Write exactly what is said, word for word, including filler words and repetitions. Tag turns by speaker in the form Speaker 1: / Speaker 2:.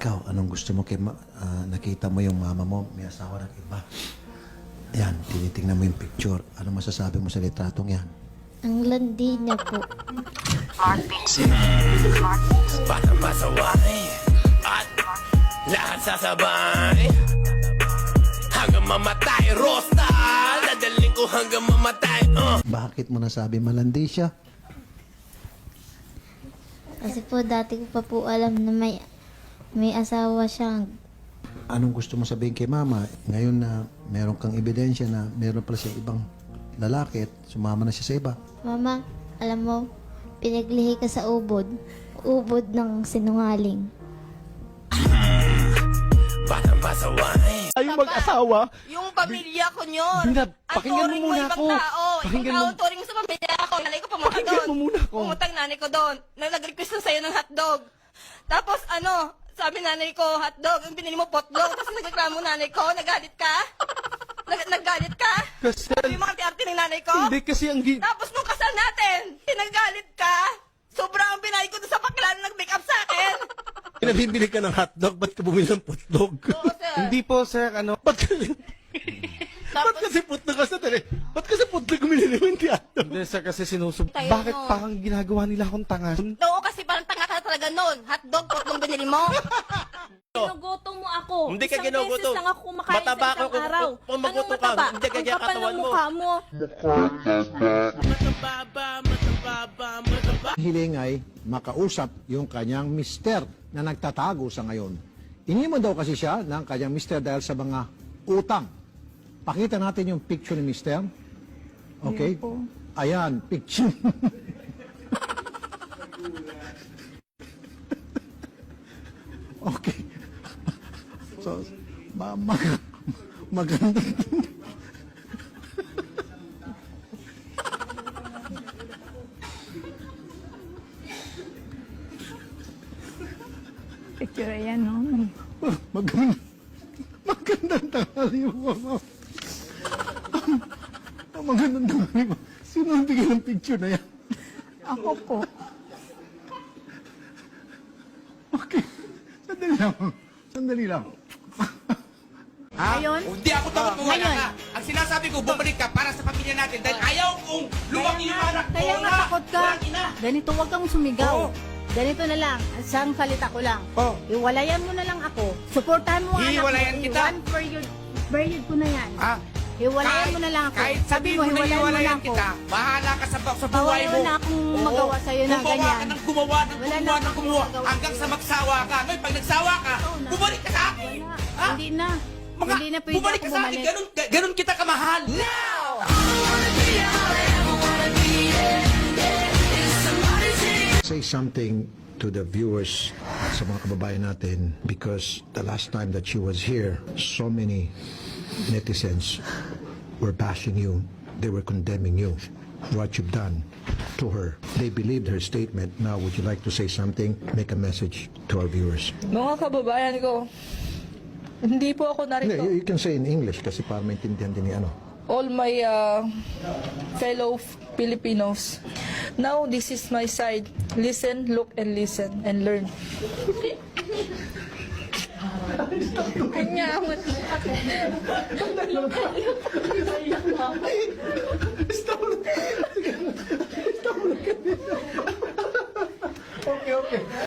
Speaker 1: Ikaw, anong gusto mo kay ma- ah, nakita mo yung mama mo, may asawa ng iba. Yan, tinitingnan mo yung picture. Ano masasabi mo sa litratong yan?
Speaker 2: Ang landi niya po.
Speaker 3: Batang pasaway at lahat sasabay hanggang mamatay. Rosta, dadaling ko hanggang mamatay. uh.
Speaker 1: Bakit mo nasabi malandi siya?
Speaker 2: Kasi po dati ko pa po alam na may may asawa siya.
Speaker 1: Anong gusto mo sabihin kay mama? Ngayon na meron kang ebidensya na meron pala siya ibang lalaki at sumama na siya sa iba.
Speaker 2: Mama, alam mo, pinaglihi ka sa ubod. Ubod ng sinungaling.
Speaker 3: Batang pasaway.
Speaker 4: Tayong mag-asawa.
Speaker 5: Yung pamilya ko yun.
Speaker 4: Binab,
Speaker 5: Ang
Speaker 4: pakinggan mo
Speaker 5: turing
Speaker 4: muna
Speaker 5: ibang
Speaker 4: ako.
Speaker 5: tao.
Speaker 4: Pakinggan
Speaker 5: Ibang
Speaker 4: mo.
Speaker 5: tao, turing mo sa pamilya ko. Nanay ko pumunta
Speaker 4: Pakinggan
Speaker 5: doon.
Speaker 4: mo muna ako.
Speaker 5: Pumunta ang nanay ko doon. Nang nag-request na sa'yo ng hotdog. Tapos ano, sabi nanay ko, hotdog. Ang binili mo, potlog. Tapos nagreklamo nanay ko, nagalit ka? Nag naggalit ka?
Speaker 4: Kasi,
Speaker 5: Sabi yung mga arte ng nanay ko?
Speaker 4: hindi kasi ang gi...
Speaker 5: Tapos nung kasal natin, pinagalit ka? Sobrang pinay ko doon sa bakla na nag-make up sa akin.
Speaker 4: Pinabibili ka ng hotdog, ba't ka bumili ng putlog?
Speaker 5: Oo, sir.
Speaker 4: Hindi po, sir, ano? Ba't kasi... ba't kasi putlog ka sa tali? Ba't kasi putlog bumili mo hindi hotdog? Hindi, sir, kasi sinusub...
Speaker 5: Tayo
Speaker 4: Bakit
Speaker 5: nun.
Speaker 4: parang ginagawa nila akong tanga?
Speaker 5: Oo, kasi parang tanga ka talaga noon. Hotdog, potlong binili mo.
Speaker 6: Ginugutom mo ako.
Speaker 7: Hindi ka
Speaker 6: Isang
Speaker 7: ginugutom.
Speaker 6: beses lang ako kumakain
Speaker 7: Mataba
Speaker 6: sa isang
Speaker 7: ka kung-
Speaker 6: araw.
Speaker 7: kung- kung magutom
Speaker 6: Anong
Speaker 7: ka,
Speaker 6: mataba?
Speaker 7: hindi ka
Speaker 6: Ang
Speaker 7: kaya
Speaker 6: kapal
Speaker 7: katawan
Speaker 6: ng
Speaker 7: mo.
Speaker 6: mukha mo.
Speaker 3: Matababa, matababa, matababa.
Speaker 8: Hiling ay makausap yung kanyang mister na nagtatago sa ngayon. Iniwan daw kasi siya ng kanyang mister dahil sa mga utang. Pakita natin yung picture ni mister. Okay? Ayan, picture. Okay. So, ma mag maganda.
Speaker 6: Picture yan, no?
Speaker 8: Maganda. Magandang tanghali mo, mama. Ang magandang tanghali mo. Sino ang bigyan ng picture na yan?
Speaker 6: Ako po.
Speaker 8: Okay. Sandali lang. Sandali lang.
Speaker 6: Ngayon,
Speaker 7: Hindi ako takot kung wala
Speaker 6: Ngayon.
Speaker 7: ka. Ang sinasabi ko, bumalik ka para sa pamilya natin dahil ayaw kong lumaki yung anak ko
Speaker 6: kaya
Speaker 7: na
Speaker 6: natakot ka.
Speaker 7: walang ina.
Speaker 6: Ganito, huwag kang sumigaw.
Speaker 7: Oo.
Speaker 6: Ganito na lang, isang salita ko lang.
Speaker 7: Oh.
Speaker 6: Iwalayan mo na lang ako. Suportahan mo ang anak mo.
Speaker 7: Hiwalayan kita.
Speaker 6: One period, period ko na yan.
Speaker 7: Ah,
Speaker 6: Hiwalayan mo na lang ako.
Speaker 7: Kahit
Speaker 6: Sabi
Speaker 7: sabihin
Speaker 6: mo,
Speaker 7: mo na
Speaker 6: hiwalayan mo na
Speaker 7: hiwalayan
Speaker 6: ako.
Speaker 7: kita, bahala ka sa, sa
Speaker 6: Bawal
Speaker 7: buhay mo.
Speaker 6: na akong
Speaker 7: Oo.
Speaker 6: magawa sa'yo na
Speaker 7: Gumawa
Speaker 6: ganyan.
Speaker 7: ka ng gumawa, ng
Speaker 6: Wala na
Speaker 7: gumawa, ng
Speaker 6: akong
Speaker 7: gumawa,
Speaker 6: magawa
Speaker 7: hanggang
Speaker 6: sa'yo.
Speaker 7: sa magsawa ka. Ngayon, pag nagsawa ka,
Speaker 6: Oo na.
Speaker 7: bumalik ka sa akin.
Speaker 6: Wala.
Speaker 7: Ha?
Speaker 6: Hindi na.
Speaker 7: Mga,
Speaker 6: Hindi na pwede
Speaker 7: bumalik
Speaker 6: ako
Speaker 7: ka sa akin,
Speaker 6: bumalik.
Speaker 7: ganun, ganun kita kamahal. Now!
Speaker 8: Say something to the viewers sa mga kababayan natin because the last time that she was here, so many netizens were bashing you. They were condemning you. What you've done to her. They believed her statement. Now, would you like to say something? Make a message to our viewers.
Speaker 9: Mga kababayan ko, hindi po ako
Speaker 8: Hindi,
Speaker 9: narito.
Speaker 8: you, you can say in English kasi para maintindihan din ni ano.
Speaker 9: All my uh, fellow Filipinos, now this is my side. Listen, look, and listen, and learn. Kanya,
Speaker 8: Okay, okay.